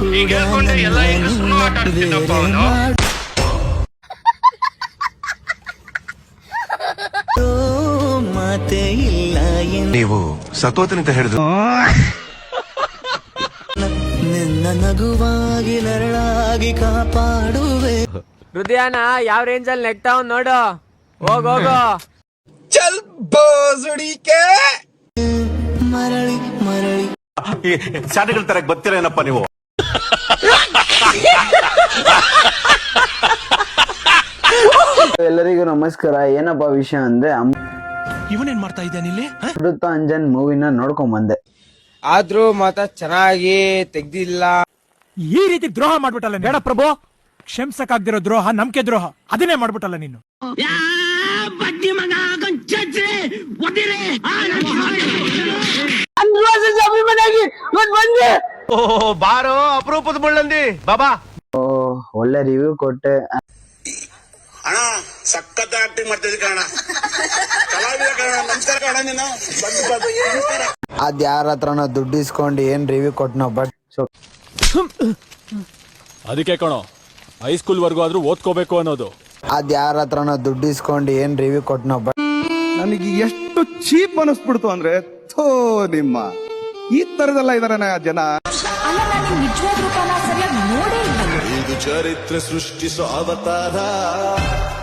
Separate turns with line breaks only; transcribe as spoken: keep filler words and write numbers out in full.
ಈಗ ಹೇಳ್ಕೊಂಡೆ ಎಲ್ಲ ಹೆಂಗ್ ಸುಳ್ಳು ಆಟ ಆಡ್ತಿದ್ದಪ್ಪ ಅವನು.
ಮಾತೆ ಇಲ್ಲ
ನೀವು ಸತೋತನಿಂದ ಹಿಡಿದು
ನಿನ್ನ ನಗುವಾಗಿ ನರಳಾಗಿ ಕಾಪಾಡುವೆ.
ಹೃದಯನ ಯಾವ ರೇಂಜ್ ಅಲ್ಲಿ ನೆಕ್ತಾವ್ ನೋಡು. ಹೋಗೋಗೋ
ಚಲ್ ಬೋಸುಡಿಕೆ
ಮರಳಿ ಮರಳಿ
ಶಾಲೆಗಳ ತರ ಗೊತ್ತಿರ ಏನಪ್ಪ ನೀವು.
ಎಲ್ಲರಿಗೂ ನಮಸ್ಕಾರ. ಏನಪ್ಪಾ ವಿಷಯ ಅಂದ್ರೆ
ಇವನೇನ್ ಮಾಡ್ತಾ ಇದ್ದಾನೆ ಇಲ್ಲಿ?
ಅಮೃತ ಅಂಜನ್ ಮೂವಿನ ನೋಡ್ಕೊಂಡ್ ಬಂದೆ.
ಆದ್ರೂ ಮಾತ ಚೆನ್ನಾಗಿ ತೆಗ್ದಿಲ್ಲ.
ಈ ರೀತಿ ದ್ರೋಹ ಮಾಡ್ಬಿಟ್ಟಲ್ಲ ಬೇಡ ಪ್ರಭು. ಕ್ಷಮಿಸಕ್ಕಾಗ್ದಿರೋ ದ್ರೋಹ ನಂಬಿಕೆ ದ್ರೋಹ, ಅದನ್ನೇ ಮಾಡ್ಬಿಟ್ಟಲ್ಲ ನೀನು.
ಬಾರೋ ಅಪರೂಪದ ಮುಳ್ಳಂದಿ ಬಾಬಾ.
ಓ ಒಳ್ಳೆ ರಿವ್ಯೂ ಕೊಟ್ಟೆ.
ಅಣ್ಣ ಸಖತ್ ಆಕ್ಟಿಂಗ್ ಮಾಡ್ತಿದ್ದೆ ಕಣ. ಕಲಾವಿದ ಕಣ. ನಮಸ್ಕಾರ ಕಣ. ನೀನು
ಅದ್ ಯಾರ ಹತ್ರನೋ ದುಡ್ಡು ಇಸ್ಕೊಂಡು ಏನ್ ರಿವ್ಯೂ ಕೊಟ್ನೋ. ಬಟ್
ಅದಕ್ಕೆ ಕಣೋ ಹೈಸ್ಕೂಲ್ ವರ್ಗು ಆದ್ರೂ ಓದ್ಕೋಬೇಕು ಅನ್ನೋದು.
ಅದ್ ಯಾರ ಹತ್ರನೋ ದುಡ್ಡು ಇಸ್ಕೊಂಡು ಏನ್ ರಿವ್ಯೂ ಕೊಟ್ನೋ. ಬಟ್
ನನಗೆ ಎಷ್ಟು ಚೀಪ್ ಅನಿಸ್ಬಿಡ್ತು ಅಂದ್ರೆ, ಥೋ ನಿಮ್ಮ ಈ ತರದೆಲ್ಲ ಇದಾರೆ ಜನ.
ನಿಜವಾದ ರೂಪನ ಸರಿಯಾಗಿ ನೋಡೇ ಇಲ್ಲ.
ಇದು ಚರಿತ್ರೆ ಸೃಷ್ಟಿಸೋ ಅವತಾರ.